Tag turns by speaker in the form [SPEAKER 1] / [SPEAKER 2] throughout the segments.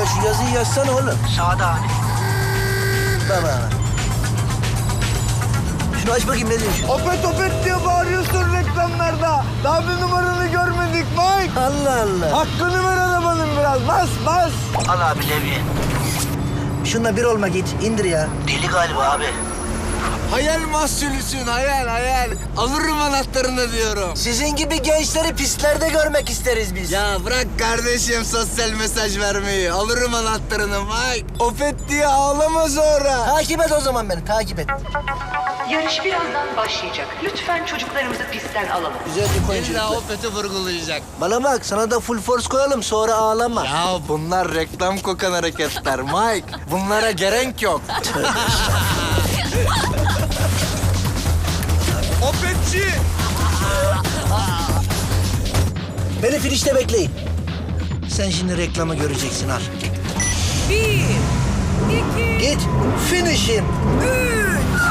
[SPEAKER 1] şu yazıyı yazsana oğlum.
[SPEAKER 2] Sağda abi.
[SPEAKER 1] Baba. Şunu aç bakayım ne diyor şu?
[SPEAKER 3] Opet opet diye bağırıyorsun reklamlarda. Daha bir numaranı görmedik Mike.
[SPEAKER 1] Allah Allah.
[SPEAKER 3] Hakkını ver arabanın biraz. Bas bas.
[SPEAKER 2] Al abi levye.
[SPEAKER 1] Şununla bir olma git. İndir ya.
[SPEAKER 2] Deli galiba abi.
[SPEAKER 4] Hayal mahsulüsün, hayal. Alırım anahtarını diyorum.
[SPEAKER 1] Sizin gibi gençleri pistlerde görmek isteriz biz.
[SPEAKER 4] Ya bırak kardeşim sosyal mesaj vermeyi. Alırım anahtarını Mike. Opet diye ağlama sonra.
[SPEAKER 1] Takip et o zaman beni, takip et.
[SPEAKER 5] Yarış birazdan başlayacak. Lütfen çocuklarımızı pistten alalım.
[SPEAKER 1] Güzelce koyun
[SPEAKER 4] İlla
[SPEAKER 1] çocuklar.
[SPEAKER 4] Opet'i vurgulayacak.
[SPEAKER 1] Bana bak, sana da full force koyalım, sonra ağlama.
[SPEAKER 4] Ya bunlar reklam kokan hareketler Mike. Bunlara gerek yok. Opetçi!
[SPEAKER 1] Beni finişte bekleyin. Sen şimdi reklamı göreceksin, al.
[SPEAKER 6] 1, 2,
[SPEAKER 1] Git, finish him.
[SPEAKER 6] 3.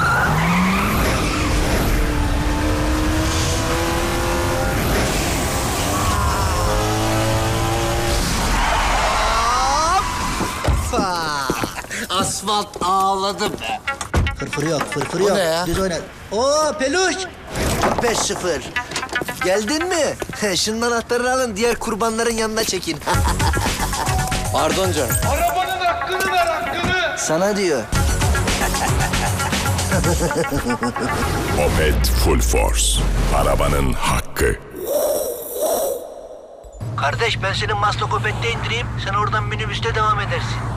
[SPEAKER 4] Asfalt ağladı be.
[SPEAKER 1] Fırfır yok, fırfır
[SPEAKER 4] O
[SPEAKER 1] yok.
[SPEAKER 4] ne ya?
[SPEAKER 1] Düz oyna. Oo, peluş. 5-0. Geldin mi? Şunun anahtarını alın, diğer kurbanların yanına çekin.
[SPEAKER 4] Pardon canım.
[SPEAKER 3] Arabanın hakkını ver hakkını.
[SPEAKER 1] Sana diyor.
[SPEAKER 7] Opet Full Force. Arabanın hakkı.
[SPEAKER 2] Kardeş ben seni Maslakopet'te indireyim. Sen oradan minibüste devam edersin.